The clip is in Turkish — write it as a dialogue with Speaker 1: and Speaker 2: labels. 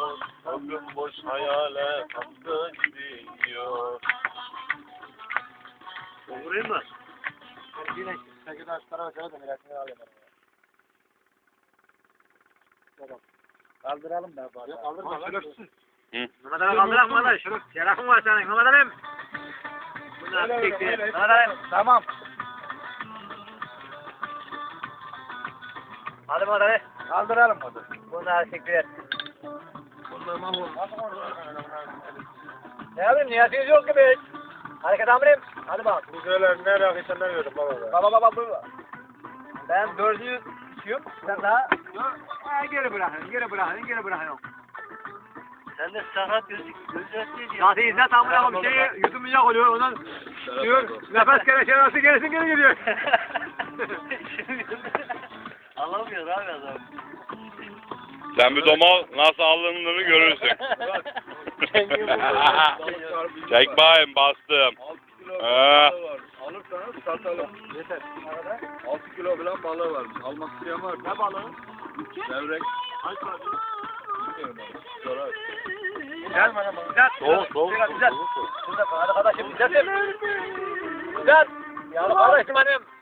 Speaker 1: gidiyor. O gün boş hayale kaptı gidiyor.
Speaker 2: Vurayım mı?
Speaker 3: Ben yine 8 tarafa şöyle de miratını alayım. Tamam. Kaldıralım da bari. Kaldırma lan.
Speaker 2: Mehmet Ali kaldırak mı lan? Şerefin var senin Mehmet Ali'm. Bunlar çekti. Mehmet Ali.
Speaker 3: Tamam.
Speaker 2: Hadi Mehmet Ali.
Speaker 3: Kaldıralım hadi.
Speaker 2: Bunlar çekti.
Speaker 3: Bunlar mahvolur.
Speaker 2: Ne yapayım? Niyetiniz yok gibi. Hareket amirim. Hadi bak.
Speaker 3: Bu şeyler ne rakıysa ne verdim baba.
Speaker 2: Baba bu. Ben 4'ü düşüyorum. Sen daha. Geri bırakın.
Speaker 1: Sen de sakat gözüküyor.
Speaker 2: Zaten izle tam bırakın bir şeyi yutulmayacak oluyor. Ondan diyor nefes kereçe gerisin geri gidiyor.
Speaker 1: Alamıyor abi adam.
Speaker 4: Sen bir domal nasıl alındığını görürsün. Çek bakayım bastım.
Speaker 5: 6 kilo balığı var. Alırsanız satalım.
Speaker 3: Yeter.
Speaker 5: 6 kilo falan balığı var. Almak isteyen var.
Speaker 1: Ne balığı?
Speaker 5: Levrek.
Speaker 1: Kaç var?
Speaker 5: Bilmiyorum abi. Sorar.
Speaker 2: Güzel mi adamım? Güzel. Güzel. Güzel. Hadi kardeşim güzel. Güzel. Ya kardeşim hanım.